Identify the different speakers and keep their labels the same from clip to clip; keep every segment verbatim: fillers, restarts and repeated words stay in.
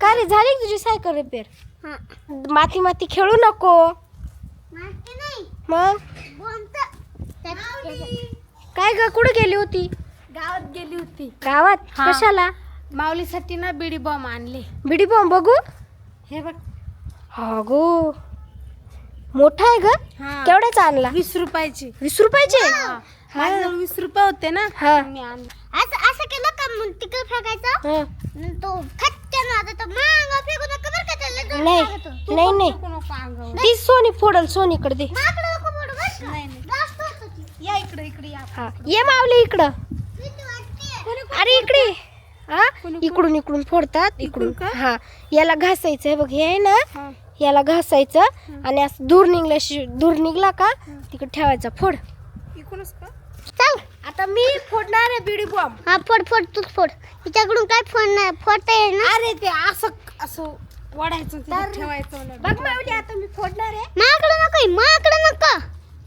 Speaker 1: का रे झाली का तुझी सायकल रिपेअर?
Speaker 2: हा.
Speaker 1: माती माती खेळू नको.
Speaker 2: माहिती नाही.
Speaker 1: मग
Speaker 2: बोलतं.
Speaker 1: काय ग कुठे गेली होती?
Speaker 3: गावात गेली होती.
Speaker 1: गावात
Speaker 3: हा.
Speaker 1: कशाला?
Speaker 3: माऊलीसाठी ना बिडी बॉम्ब आणले.
Speaker 1: बिडी बॉम्ब बघू.
Speaker 3: हे बघ.
Speaker 1: हा गो मोठा आहे ग.
Speaker 3: हा.
Speaker 1: केवढ्याचा आणला?
Speaker 3: वीस रुपयाची.
Speaker 1: वीस रुपयाचे.
Speaker 3: हा. माझ्याजवळ वीस रुपये होते ना.
Speaker 1: हा.
Speaker 3: मी आणले.
Speaker 2: असं असं केलं का मग तिकडे फेकायचं
Speaker 1: हा.
Speaker 2: आणि तो खच्चन आता तो मांग फेकू नका बरं का त्याला जोर
Speaker 1: नाही
Speaker 2: लागतो.
Speaker 1: नाही नाही
Speaker 3: नको नको अंगावर.
Speaker 1: ती सोनी फोडल सोनीकडे दे.
Speaker 2: माकडं नको पडू बरं का.
Speaker 3: नाही, नाही.
Speaker 2: जास्त होतं ती.
Speaker 3: या इकडे इकडे या.
Speaker 1: हा ये मावली इकडं.
Speaker 2: भीती वाटते.
Speaker 1: अरे इकडे हा इकडून इकडून फोडतात
Speaker 3: इकडून
Speaker 1: इकडून
Speaker 3: का?
Speaker 1: हा याला घासायचं आहे बघ हे आहे ना
Speaker 3: हा.
Speaker 1: याला घासायचं आणि असं दूर निघल्या दूर निघला का तिकडे ठेवायचा फोड.
Speaker 3: इकडूनच का?
Speaker 2: चल
Speaker 1: आता मी फोडणार आहे बिडी बॉम्ब.
Speaker 2: हा फोड फोड तूच फोड. हिच्याकडून काय फोड नाही फोडता येईल ना.
Speaker 3: अरे ते असं असं वाढायचं तिथे
Speaker 1: तर-
Speaker 3: ठेवायचं मला.
Speaker 1: बघ मावली आता मी फोडणार आहे.
Speaker 2: माकडं नको माकडं नको.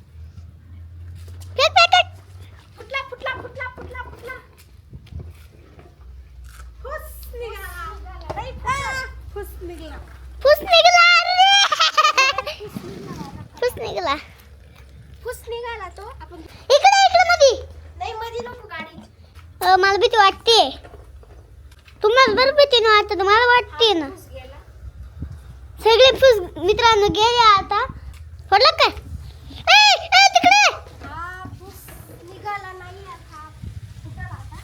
Speaker 2: फेक फेक फेक.
Speaker 1: फुटला फुटला फुटला फुटला फुटला फुस निघाला. लई फुटला.
Speaker 3: फुस निघला.
Speaker 2: फुस निघाला अरे. फुस निघाला.
Speaker 1: फुस निघाला तो. आपण
Speaker 2: इकडे इकडे मध्ये.
Speaker 1: नाही मध्ये नको गाडी.
Speaker 2: अ, मला भीती वाटते. तुम्हाला बरं भीती नाही वाटत मला वाटते ना.
Speaker 1: फुस गेला.
Speaker 2: सगळे फुस मित्रांनो गेले आता. फोडलं काय? ए, ए, तिकडे.
Speaker 1: हा फुस निघाला नाही आता. फुटला आता.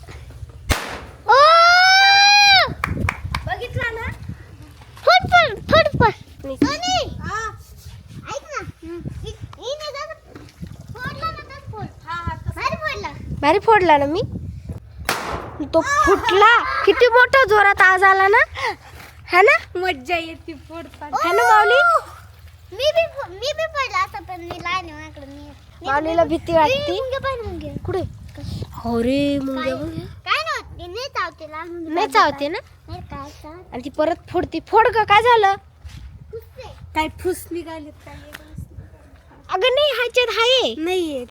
Speaker 2: ओ!
Speaker 1: बघितला ना.
Speaker 2: फोड फोड फोड फोड.
Speaker 1: नाही.
Speaker 2: सोनी,
Speaker 1: हा
Speaker 2: ऐक ना. इ- इने जर फोडला ना तर फोड.
Speaker 1: हा हा तसं.
Speaker 2: भारी फोडला.
Speaker 1: भारी फोडला ना मी. तो फुटला. किती मोठा जोरात आवाज आला ना. है ना
Speaker 3: मज्जा येते फोडताना.
Speaker 1: है ना माऊली.
Speaker 2: मी बी फो- मी बी पडला असं पण मी लहान आहे माझ्याकडे मी मी-
Speaker 1: माऊलीला भीती वाटते.
Speaker 2: मुंग्या पाहिजे मुंग्या.
Speaker 1: कुठे? हो रे मुंग्या बघ.
Speaker 2: काय नव्हते नाही चावते लहान मुंग्या.
Speaker 1: नाही चावते ना.
Speaker 2: नाही काय चावते.
Speaker 1: आणि ती परत फोडती. फोड ग काय झालं?
Speaker 2: कुस्ते.
Speaker 3: काय फुस निघाले काय
Speaker 1: अगं नाही ह्याच्यात आहे.
Speaker 3: नाहीये